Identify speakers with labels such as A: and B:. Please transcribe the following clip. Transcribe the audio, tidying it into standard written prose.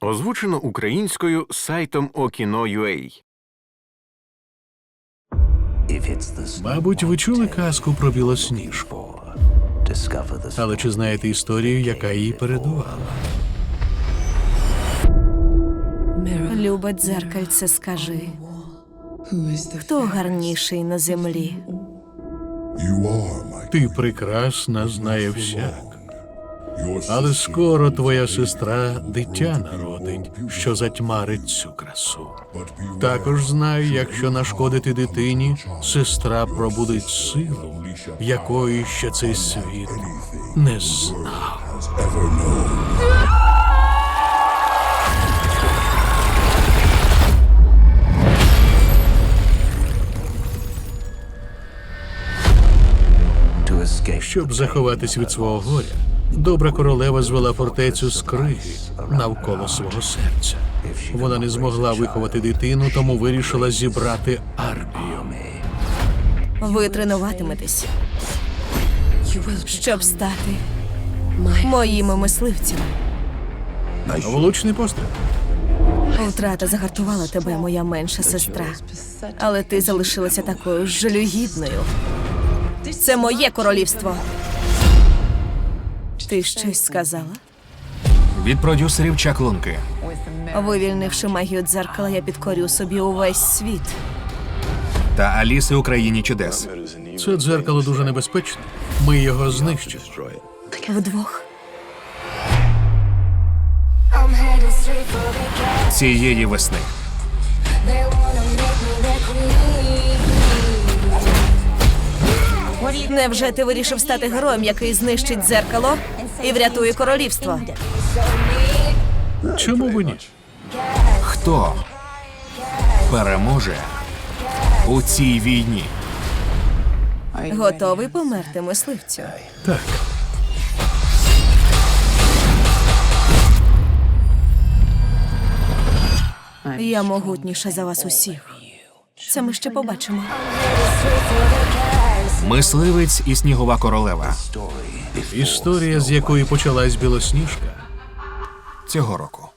A: Озвучено українською сайтом Okino.ua.
B: Мабуть, ви чули казку про Білосніжку. Але чи знаєте історію, яка її передувала?
C: Любе дзеркальце, скажи, хто гарніший на землі?
B: Ти прекрасна, знає всяк. Але скоро твоя сестра дитя народить, що затьмарить цю красу. Також знай, якщо нашкодити дитині, сестра пробудить силу, якої ще цей світ не знав. Щоб заховатись від свого горя, добра королева звела фортецю з криги навколо свого серця. Вона не змогла виховати дитину, тому вирішила зібрати армію.
C: Ви тренуватиметесь, щоб стати моїми мисливцями.
B: Влучний постріл.
C: Втрата загартувала тебе, моя менша сестра. Але ти залишилася такою ж жалюгідною. Це моє королівство. Ти щось сказала?
D: Від продюсерів Чаклунки.
C: Вивільнивши магію дзеркала, я підкорю собі увесь світ.
D: Та Аліси у країні чудес.
B: Це дзеркало дуже небезпечне. Ми його знищимо.
C: Вдвох.
D: Цієї весни.
C: Невже ти вирішив стати героєм, який знищить дзеркало і врятує королівство?
B: Чому б і ні?
D: Хто переможе у цій війні?
C: Готовий померти, мисливцю?
B: Так.
C: Я могутніша за вас усіх. Це ми ще побачимо.
D: Мисливець і снігова королева.
B: Історія, з якої почалась Білосніжка,
D: Цього року.